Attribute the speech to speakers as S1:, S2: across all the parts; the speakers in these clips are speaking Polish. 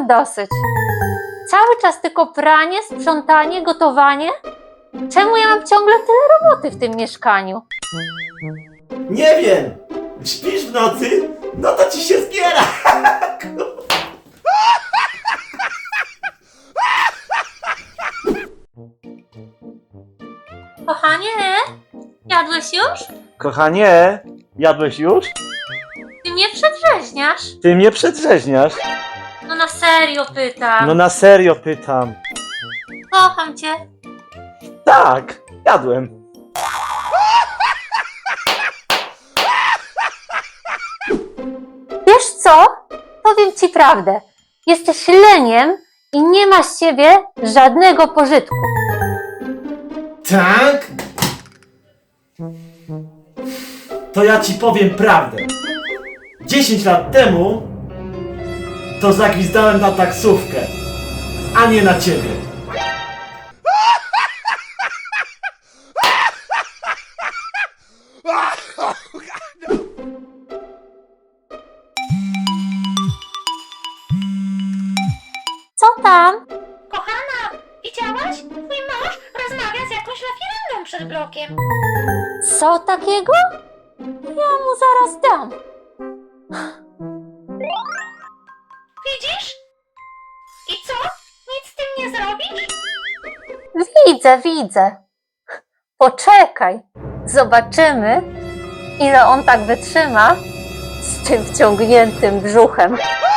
S1: dosyć. Cały czas tylko pranie, sprzątanie, gotowanie. Czemu ja mam ciągle tyle roboty w tym mieszkaniu?
S2: Nie wiem! Śpisz w nocy? No to ci się zbiera!
S1: Kochanie, jadłeś już?
S3: Kochanie, jadłeś już?
S1: Ty mnie przedrzeźniasz.
S3: Ty mnie przedrzeźniasz.
S1: No na serio pytam.
S3: No na serio pytam.
S1: Kocham cię.
S3: Tak, jadłem.
S1: Wiesz co? Powiem ci prawdę. Jesteś leniem i nie ma z ciebie żadnego pożytku.
S2: Tak? To ja ci powiem prawdę. 10 lat temu to zagwizdałem na taksówkę, a nie na ciebie.
S1: Co tam?
S4: Kochana, widziałaś? Twój mąż rozmawia z jakąś lafirendą przed blokiem.
S1: Co takiego? Ja mu zaraz dam.
S4: Widzisz? I co? Nic z tym nie zrobisz?
S1: Widzę. Poczekaj. Zobaczymy, ile on tak wytrzyma z tym wciągniętym brzuchem.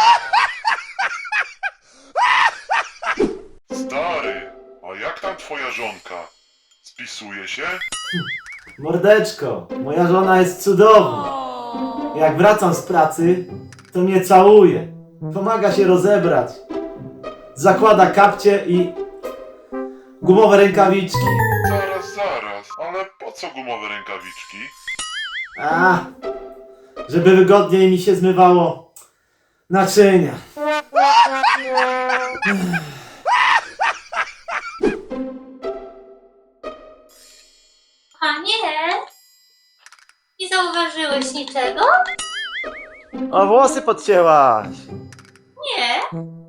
S5: Stary, a jak tam twoja żonka? Spisuje się?
S2: Mordeczko, moja żona jest cudowna. Jak wracam z pracy, to mnie całuje. Pomaga się rozebrać. Zakłada kapcie i gumowe rękawiczki.
S5: Zaraz, ale po co gumowe rękawiczki?
S2: A, żeby wygodniej mi się zmywało naczynia.
S1: A nie? Nie zauważyłeś niczego?
S3: O, włosy podcięłaś.
S1: Nie.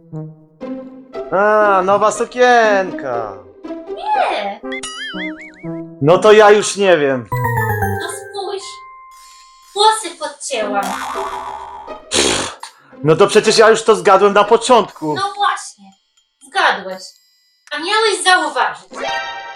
S3: A, nowa sukienka.
S1: Nie.
S3: No to ja już nie wiem.
S1: No spójrz. Włosy podcięłam.
S3: No to przecież ja już to zgadłem na początku.
S1: No właśnie. Zgadłeś. A miałeś zauważyć.